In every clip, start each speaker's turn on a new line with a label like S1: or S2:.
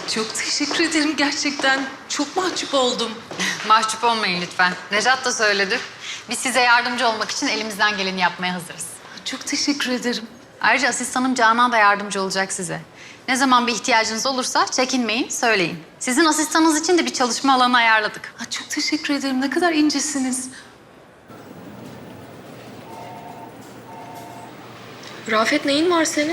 S1: Çok teşekkür ederim gerçekten. Çok mahcup oldum.
S2: Mahcup olmayın lütfen. Nejat da söyledi. Biz size yardımcı olmak için elimizden geleni yapmaya hazırız.
S1: Çok teşekkür ederim.
S2: Ayrıca asistanım Canan da yardımcı olacak size. Ne zaman bir ihtiyacınız olursa çekinmeyin, söyleyin. Sizin asistanınız için de bir çalışma alanı ayarladık.
S1: Çok teşekkür ederim. Ne kadar incesiniz.
S3: Rafet neyin var senin?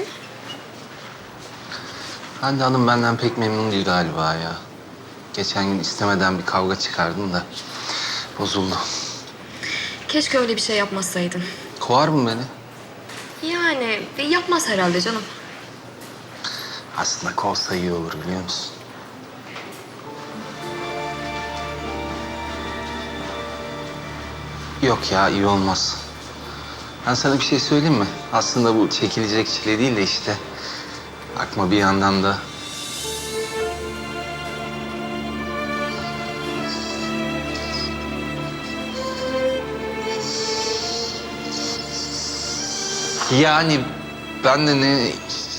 S4: Hande Hanım benden pek memnun değil galiba ya. Geçen gün istemeden bir kavga çıkardım da bozuldu.
S3: Keşke öyle bir şey yapmasaydın.
S4: Kovar mı beni?
S3: Yani yapmaz herhalde canım.
S4: Aslında kovsa iyi olur biliyor musun? Yok ya iyi olmaz. Ben sana bir şey söyleyeyim mi? Aslında bu çekilecek çile değil de işte... Bakma bir yandan da... Yani ben de ne...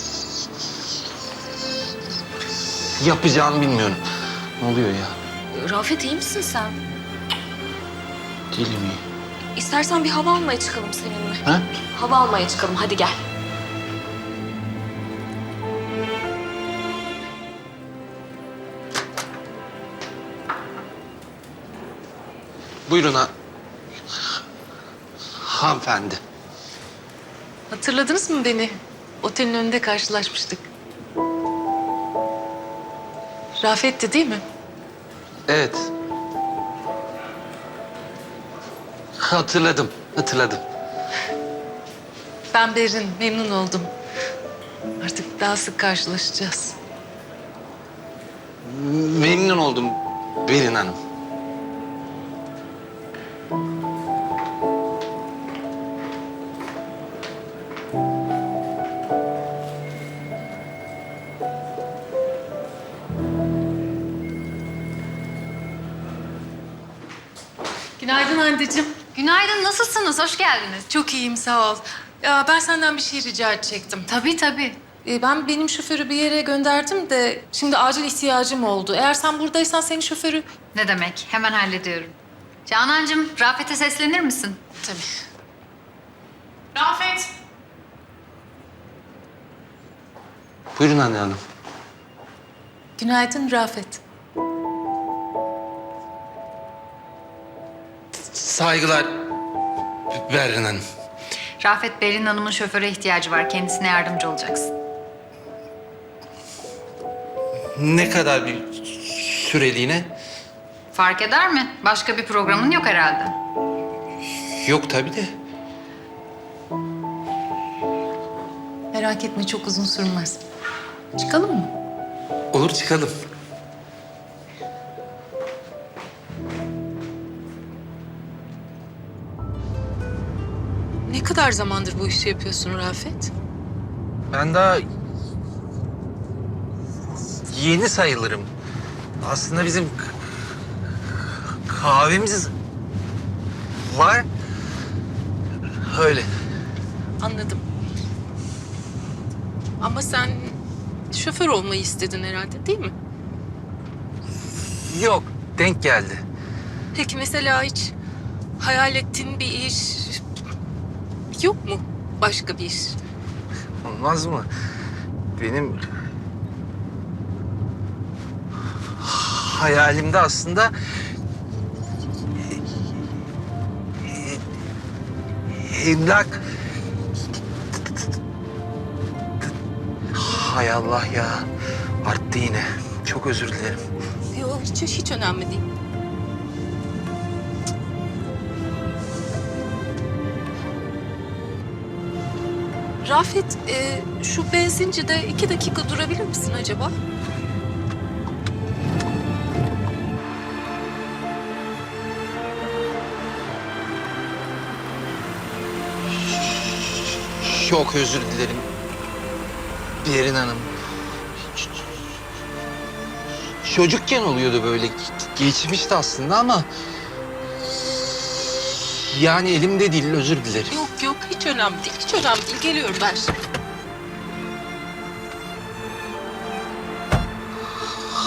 S4: yapacağımı bilmiyorum. Ne oluyor ya?
S3: Rafet iyi misin sen?
S4: Değilim iyi.
S3: İstersen bir hava almaya çıkalım seninle.
S4: Ha?
S3: Hava almaya çıkalım hadi gel.
S4: Buyurun hanımefendi.
S1: Hatırladınız mı beni? Otelin önünde karşılaşmıştık. Rafet'ti değil mi?
S4: Evet. Hatırladım.
S1: Ben Berin. Memnun oldum. Artık daha sık karşılaşacağız.
S4: Memnun oldum Berin Hanım.
S1: Günaydın anneciğim.
S2: Günaydın, nasılsınız? Hoş geldiniz.
S1: Çok iyiyim, sağ ol. Ya ben senden bir şey rica edecektim.
S2: Tabii.
S1: Ben benim şoförü bir yere gönderdim de şimdi acil ihtiyacım oldu. Eğer sen buradaysan senin şoförü...
S2: Ne demek? Hemen hallediyorum. Canancığım, Rafet'e seslenir misin?
S1: Tabii. Rafet!
S4: Buyurun Hande Hanım.
S1: Günaydın Rafet.
S4: Saygılar Berin Hanım.
S2: Rafet, Berin Hanım'ın şoföre ihtiyacı var. Kendisine yardımcı olacaksın.
S4: Ne kadar bir süreliğine?
S2: Fark eder mi? Başka bir programın yok herhalde.
S4: Yok tabii de.
S1: Merak etme, çok uzun sürmez. Çıkalım mı?
S4: Olur çıkalım.
S1: Ne kadar zamandır bu işi yapıyorsun Rafet?
S4: Ben daha yeni sayılırım. Aslında bizim kahvemiz var. Öyle.
S1: Anladım. Ama sen şoför olmayı istedin herhalde, değil mi?
S4: Yok, denk geldi.
S1: Peki mesela hiç hayal ettiğin bir iş yok mu? Başka bir iş?
S4: Olmaz mı? Benim hayalimde aslında emlak. Hay Allah ya. Arttı yine. Çok özür dilerim.
S1: Yok, hiç önemli değil. Rafet, şu benzincide 2 dakika durabilir misin acaba?
S4: Çok özür dilerim. Berin Hanım. Çocukken oluyordu böyle. Geçmişti aslında ama... Yani elimde değil, özür dilerim.
S1: Yok, hiç önemli değil. Hiç önemli değil. Geliyorum ben şimdi.